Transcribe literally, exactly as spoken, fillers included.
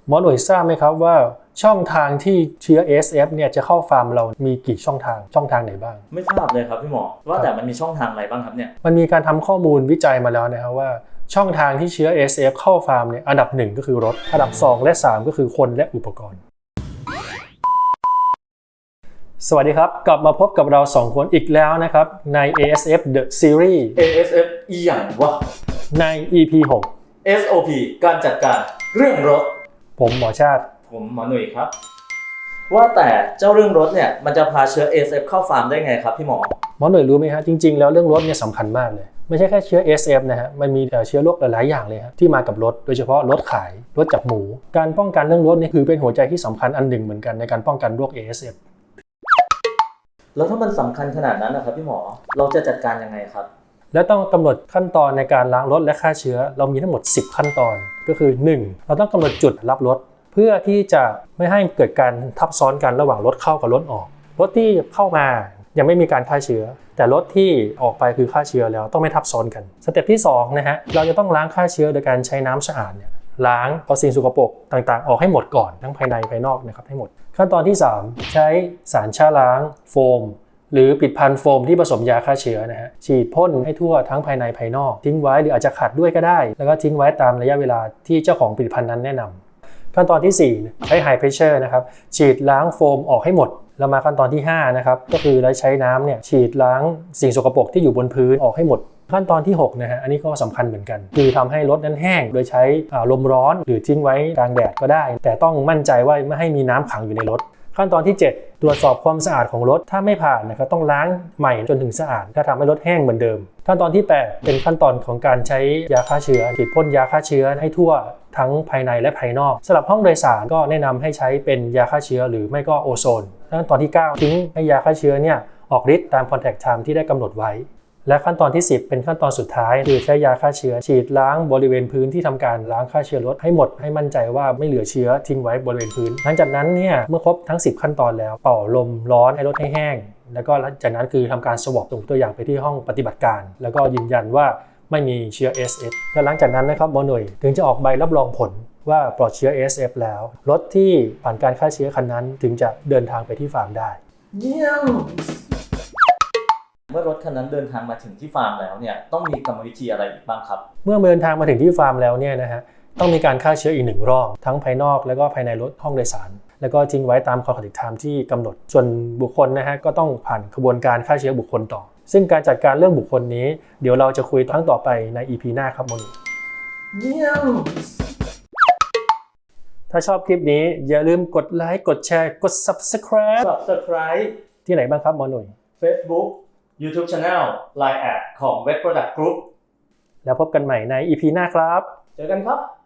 หมอหน่วยทราบไหมครับว่าช่องทางที่เชื้อ เอ เอส เอฟ เนี่ยจะเข้าฟาร์มเรามีกี่ช่องทางช่องทางไหนบ้างไม่ทราบเลยครับพี่หมอว่าแต่มันมีช่องทางอะไรบ้างครับเนี่ยมันมีการทำข้อมูลวิจัยมาแล้วนะครับว่าช่องทางที่เชื้อ เอ เอส เอฟ เข้าฟาร์มเนี่ยอันดับหนึ่งก็คือรถอันดับสองและสามก็คือคนและอุปกรณ์สวัสดีครับกลับมาพบกับเราสองคนอีกแล้วนะครับใน เอ เอส เอฟ The Series เอ เอส เอฟ อีหยังวะใน อี พี หกเอส โอ พี การจัดการเรื่องรถผมหมอชาติผมหมอหนุ่ยครับว่าแต่เจ้าเรื่องรถเนี่ยมันจะพาเชื้อ เอ เอส เอฟ เข้าฟาร์มได้ไงครับพี่หมอหมอหน่วยรู้ไหมฮะจริงๆแล้วเรื่องรถเนี่ยสำคัญมากเลยไม่ใช่แค่เชื้อ เอ เอส เอฟ นะฮะมันมีเชื้อโรคหลายๆอย่างเลยฮะที่มากับรถโดยเฉพาะรถขายรถจับหมูการป้องกันเรื่องรถนี่คือเป็นหัวใจที่สำคัญอันหนึ่งเหมือนกันในการป้องกันโรค เอ เอส เอฟแล้วถ้ามันสำคัญขนาดนั้นนะครับพี่หมอเราจะจัดการยังไงครับและต้องกำหนดขั้นตอนในการล้างรถและฆ่าเชื้อเรามีทั้งหมดสิบขั้นตอนก็คือหนึ่งเราต้องกำหนดจุดรับรถเพื่อที่จะไม่ให้เกิดการทับซ้อนกันระหว่างรถเข้ากับรถออกรถที่เข้ามายังไม่มีการฆ่าเชื้อแต่รถที่ออกไปคือฆ่าเชื้อแล้วต้องไม่ทับซ้อนกันสเต็ปที่สองนะฮะเราจะต้องล้างฆ่าเชื้อโดยการใช้น้ำสะอาดเนี่ยล้างเอาสิ่งสกปรกต่างๆออกให้หมดก่อนทั้งภายในภายนอกนะครับให้หมดขั้นตอนที่สามใช้สารฆ่าล้างโฟมหรือปิดพันโฟมที่ผสมยาฆ่าเชื้อนะฮะฉีดพ่นให้ทั่วทั้งภายในภายนอกทิ้งไว้หรืออาจจะขัดด้วยก็ได้แล้วก็ทิ้งไว้ตามระยะเวลาที่เจ้าของผลิตภัณฑ์นั้นแนะนำขั้นตอนที่สี่ใช้ High Pressure นะครับฉีดล้างโฟมออกให้หมดแล้วมาขั้นตอนที่ห้านะครับก็คือใช้น้ำเนี่ยฉีดล้างสิ่งสกปรกที่อยู่บนพื้นออกให้หมดขั้นตอนที่หกนะฮะอันนี้ก็สำคัญเหมือนกันคือทำให้รถนั้นแห้งโดยใช้ลมร้อนหรือทิ้งไว้กลางแดดก็ได้แต่ต้องมั่นใจว่าไม่ให้มีน้ำขังอยู่ในรถขั้นตอนที่เจ็ดตรวจสอบความสะอาดของรถถ้าไม่ผ่านนะครับต้องล้างใหม่จนถึงสะอาดถ้าทำให้รถแห้งเหมือนเดิมขั้นตอนที่แปดเป็นขั้นตอนของการใช้ยาฆ่าเชื้อฉีดพ่นยาฆ่าเชื้อให้ทั่วทั้งภายในและภายนอกสำหรับห้องโดยสารก็แนะนำให้ใช้เป็นยาฆ่าเชื้อหรือไม่ก็โอโซนขั้นตอนที่เก้าทิ้งให้ยาฆ่าเชื้อเนี่ยออกฤทธิ์ตาม contact time ที่ได้กำหนดไว้และขั้นตอนที่สิบเป็นขั้นตอนสุดท้ายคือใช้ยาฆ่าเชื้อฉีดล้างบริเวณพื้นที่ทำการล้างฆ่าเชื้อรถให้หมดให้มั่นใจว่าไม่เหลือเชื้อทิ้งไว้บริเวณพื้นหลังจากนั้นเนี่ยเมื่อครบทั้งสิบขั้นตอนแล้วเป่าลมร้อนให้รถให้แห้งแล้วก็หลังจากนั้นคือทำการสวอปส่งตัวอย่างไปที่ห้องปฏิบัติการแล้วก็ยืนยันว่าไม่มีเชื้อ เอ เอส เอฟ และหลังจากนั้นนะครับหมอหน่วยถึงจะออกใบรับรองผลว่าปลอดเชื้อ เอ เอส เอฟ แล้วรถที่ผ่านการฆ่าเชื้อคันนั้นถึงจะเดินทางไปที่ฟาร์มได้เยี่ยมเมื่อรถคันนั้นเดินทางมาถึงที่ฟาร์มแล้วเนี่ยต้องมีกรรมวิธีอะไรอีกบ้างครับเมื่อเดินทางมาถึงที่ฟาร์มแล้วเนี่ยนะฮะต้องมีการฆ่าเชื้ออีกหนึ่งรอบทั้งภายนอกแล้วก็ภายในรถห้องโดยสารแล้วก็ทิ้งไว้ตาม contact time ที่กำหนดส่วนบุคคลนะฮะก็ต้องผ่านกระบวนการฆ่าเชื้อบุคคลต่อซึ่งการจัดการเรื่องบุคคลนี้เดี๋ยวเราจะคุยครั้งต่อไปใน อี พี หน้าครับมนุษย์เยี่ยมถ้าชอบคลิปนี้อย่าลืมกดไลค์กดแชร์กด Subscribe Subscribe ที่ไหนบ้างครับหมอหนุ่ย Facebook YouTube Channel ไลน์ แอด ของ Web Product Group แล้วพบกันใหม่ใน อี พี หน้าครับเจอกันครับ